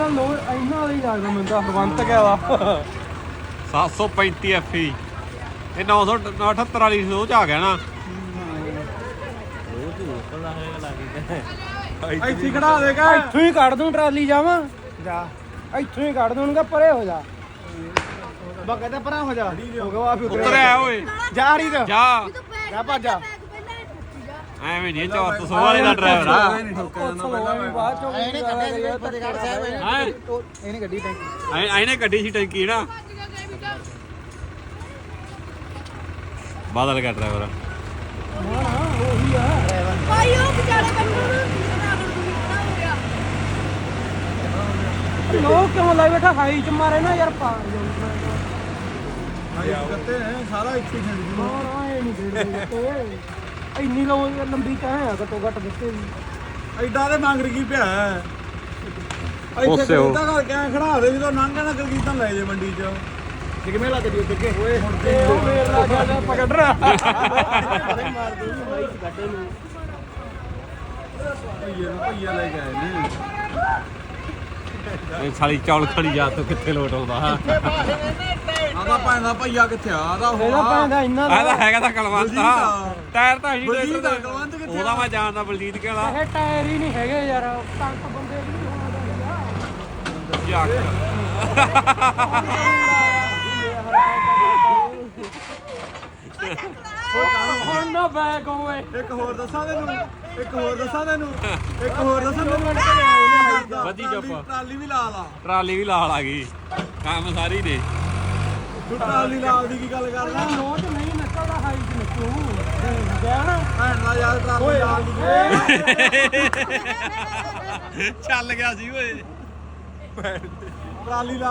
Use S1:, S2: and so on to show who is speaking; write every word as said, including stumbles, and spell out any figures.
S1: ਲੋ ਇਹਨਾਂ ਵਾਲੀ ਲੱਗਦਾ ਮੈਨੂੰ ਤਾਂ ਹਰਵੰਤ ਗਿਆ ਵਾ
S2: ਸੱਤ ਸੌ ਪੈਂਤੀ ਐਫ ਈ ਇਹ ਨੌ ਸੌ ਅਠੱਤਰ ਵਾਲੀ ਸੋਚ ਆ ਗਿਆ ਨਾ
S1: ਇੱਥੇ ਖੜਾ ਦੇਗਾ ਇੱਥੋਂ ਹੀ ਕੱਢ ਦੂੰ ਟਰਾਲੀ ਜਾਵਾਂ ਜਾ ਇੱਥੋਂ ਹੀ ਕੱਢ ਦੂੰਗਾ ਪਰੇ ਹੋ ਜਾ ਬਾ ਕਹਿੰਦਾ ਪਰਾਂ ਹੋ ਜਾ ਹੋ ਗਿਆ ਵਾਪੀ
S2: ਉਤਰਿਆ ਓਏ
S1: ਜਾ ਰਹੀ ਤੇ
S2: ਜਾ
S1: ਜਾ ਭੱਜ ਜਾ
S2: ਐਵੇਂ ਨਹੀਂ ਚੌਰ ਸੌ ਵਾਲੇ ਦਾ ਡਰਾਈਵਰ ਆ
S1: ਬਾਅਦ ਚੋਂ ਇਹਨੇ ਕੱਢਿਆ ਫਤਿਹਗੜ੍ਹ ਸਾਹਿਬ
S2: ਹਾਂ
S1: ਇਹਨੇ ਗੱਡੀ ਟੈਂਕੀ
S2: ਇਹਨੇ ਗੱਡੀ ਸੀ ਟੈਂਕੀ ਨਾ ਬਾਦਲ ਦਾ ਡਰਾਈਵਰ
S1: ਨਾ ਨਾ ਉਹੀ ਆ
S3: ਭਾਈ ਉਹ ਵਿਚਾਰੇ ਬੰਦੇ ਨੂੰ
S1: ਲੋਕ ਕਿਉਂ ਲਾਈ ਬੈਠਾ ਹਾਈ ਚ ਮਾਰੇ ਨਾ ਯਾਰ ਪਾ
S4: ਕੱਤੇ ਹੈ ਸਾਰਾ ਇੱਥੇ ਛੱਡ
S1: ਨਾ ਨਾ ਇਹ ਨਹੀਂ ਦੇਦੇ ਤੇ ਇੰਨੀ ਲੋ ਲੰਬੀ ਤਾਂ ਹੈ ਘੱਟੋ ਘੱਟ ਦਿੱਤੇ ਵੀ
S4: ਐਡਾ ਤੇ ਮੰਗ ਰਹੀ ਪਿਆ ਇੱਥੇ
S2: ਉਸੇ ਉਹ।
S4: ਕਿੱਦਾਂ ਕਰਕੇ ਐਂ ਖੜਾ ਦੇ ਜਦੋਂ ਲੰਘ ਨਾ ਕਲਗੀ ਤਾਂ ਲੈ ਜੇ ਮੰਡੀ ਚ ਕਿਵੇਂ ਲੱਗ ਜੀ ਅੱਗੇ ਓਏ ਹੁਣ
S1: ਤੇ ਉਹ ਮੇਰ ਲਾ ਗਿਆ ਪਕੜ ਰਾ
S4: ਮਾਰ ਦੂੰਗੀ ਬਾਈ ਗੱਡੇ ਨੂੰ ਭਈਏ ਨੂੰ ਭਈਆ ਲੈ ਕੇ ਆਏ ਨੇ
S2: ਇਹ ਸਾਲੀ ਚੌਲ ਖੜੀ ਜਾ ਤੂੰ ਕਿੱਥੇ ਲੋਟ ਆਉਂਦਾ
S4: ਆਦਾ ਪੈਂਦਾ ਭਈਆ ਕਿੱਥੇ ਆ ਆਦਾ
S1: ਇਹਦਾ ਪੈਂਦਾ ਇੰਨਾ
S2: ਆਹ ਤਾਂ ਹੈਗਾ ਤਾਂ ਕਲਵੰਤ ਆ
S4: ਬਲਜੀਤ।
S2: ਟਾਇਰ ਤਾਂ ਹੀ
S4: ਬਲਜੀਤ ਆ, ਕਲਵੰਤ ਕਿੱਥੇ ਆ?
S2: ਉਹਦਾ ਮੈਂ ਜਾਣਦਾ ਬਲਜੀਤ ਕਿਹੜਾ
S1: ਇਹ ਟਾਇਰ ਹੀ ਨਹੀਂ ਹੈਗੇ ਯਾਰ ਟੰਕ ਬੰਦੇ ਵੀ ਨਹੀਂ ਹੋਣਾ ਹੁਣ ਨਾ ਬੈਕ ਹੋਏ
S4: ਇੱਕ ਹੋਰ ਦੱਸਾਂ ਤੈਨੂੰ ਇੱਕ ਹੋਰ ਦੱਸਾਂ ਤੈਨੂੰ ਇੱਕ ਹੋਰ ਦੱਸਾਂ ਤੈਨੂੰ
S2: ਵਧੀ ਚੁੱਪ।
S4: ਟਰਾਲੀ ਵੀ ਲਾ ਲਾ
S2: ਟਰਾਲੀ ਵੀ ਲਾਲ ਆ ਗਈ ਕੰਮ ਸਾਰੀ ਨੇ
S4: ਤੂੰ ਟਰਾਲੀ ਲਾਲ ਦੀ ਕੀ ਗੱਲ ਕਰਦਾ
S1: ਨੋਟ ਨਹੀਂ ਨਿਕਲਦਾ ਹਾਈ ਚ ਨਿਕਲੂ ਗਿਆ ਨਾ
S4: ਭੈਣ ਦਾ ਯਾਰ ਟਰਾਲੀ ਲਾਲ ਦੀ
S2: ਚੱਲ ਗਿਆ ਸੀ ਓਏ
S4: ਟਰਾਲੀ ਲਾ